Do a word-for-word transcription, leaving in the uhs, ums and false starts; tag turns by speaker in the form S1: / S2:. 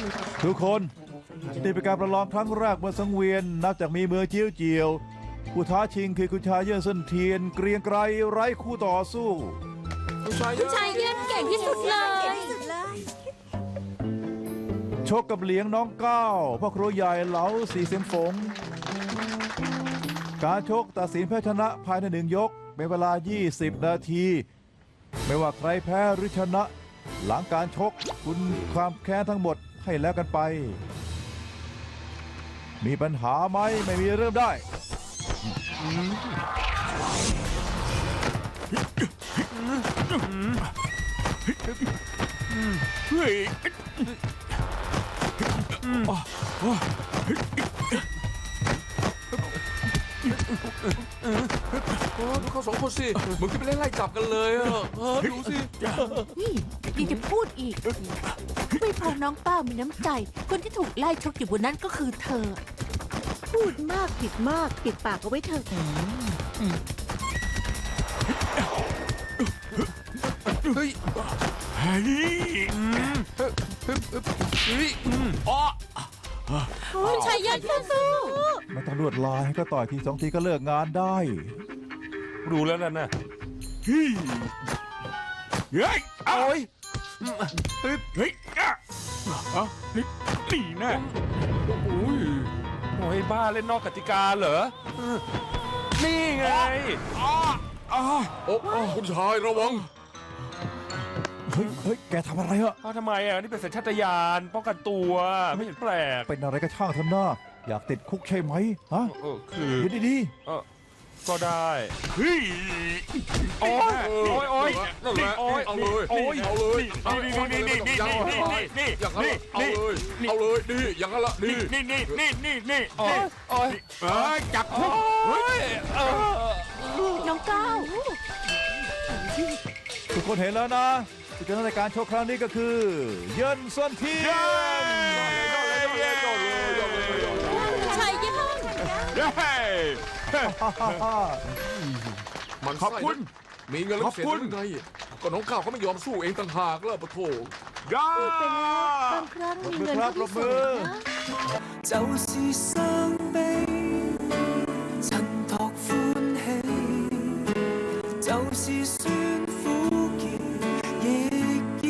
S1: ทุกคนนี่เป็นการประลองครั้งแรกบนสังเวียนนับจากมีเมืองเจียวเจียวผู้ท้าชิงคือคุณชายเยื่นเส้นเทียนเกรียงไกรไร้คู่ต่อสู้
S2: คุณชายเยื่นเก่งที่สุดเลย
S1: ชกกับเหลียงน้องก้าวพ่อครัวใหญ่เหลาสีเสียงฝงการชกตัดสินแพ้ชนะภายในหนึ่งยกเป็นเวลายี่สิบนาทีไม่ว่าใครแพ้หรือชนะหลังการชกคุณความแค้นทั้งหมดให้แล้วกันไปมีปัญหาไหมไม่มีเริ่มได้
S3: เฮ้ย
S4: ดูเขาสองคนสิเหมือนที่ไปเล่นไล่จับกันเลยอ่ะดูสิ
S2: นี่ยังจะพูดอีกไม่พอน้องป้ามีน้ำใจคนที่ถูกไล่ชกอยู่บนนั้นก็คือเธอพูดมากผิดมากปิดปากเอาไว้เถอะ
S4: เฮ้ย
S3: เฮ้ย
S2: อ๋อคุณชายยันสู้
S1: ไม่ต้องลวดลายให้ก็ต่อยทีสองทีก็เลิกงานได้
S3: รู้แล้วนั่นนะเฮ้ยเฮ้ยโอ้ยเฮ้ยอ่ะนี่นี่แน่โอ้ยโอ้ยบ้าเล่นนอกกติกาเหรอนี่ไงอ๋ออ๋อ
S4: โอ้คุณชายระวัง
S1: เฮ้ยเฮ้ยแกทำอะไรอ่ะ
S3: ทำไมอ่ะนี่เป็นสัญชาตญาณป้องกันตัวไม่เห็นแปลก
S1: เป็นอะไรก็ช่างเถอะนะอยากติดคุกใช่ไหมฮะ
S3: เออคือ
S1: ดีดี
S3: เออก็ได้เฮ้ยโอ้ยโอ้ยโอ้ย
S4: นั่นแหละเอาเลยโอ้ยเอาเลยนี่นี่นี่นี่นี่นี่อย่างนั้นเอาเลยเอาเลยนี่อย่างนั้นละนี่
S3: นี่นี่นี่นี่นี่โอ้ยโอ้ยจับคุก
S2: น้องก้าว
S1: ทุกคนเห็นแล้วนะผู้ชนะในการโชว์ครั้งนี้ก็คือเยินส่วนเทียน
S2: ชายเยิน
S4: มันขอบคุณมีเงินแล้วเสียยังไงก็น้องก้าวเขาไม่ยอมสู้เองต่างหากแล้วปะโถ
S1: ย่า
S2: บางครั้งมีเงินก็ไม่สนนะ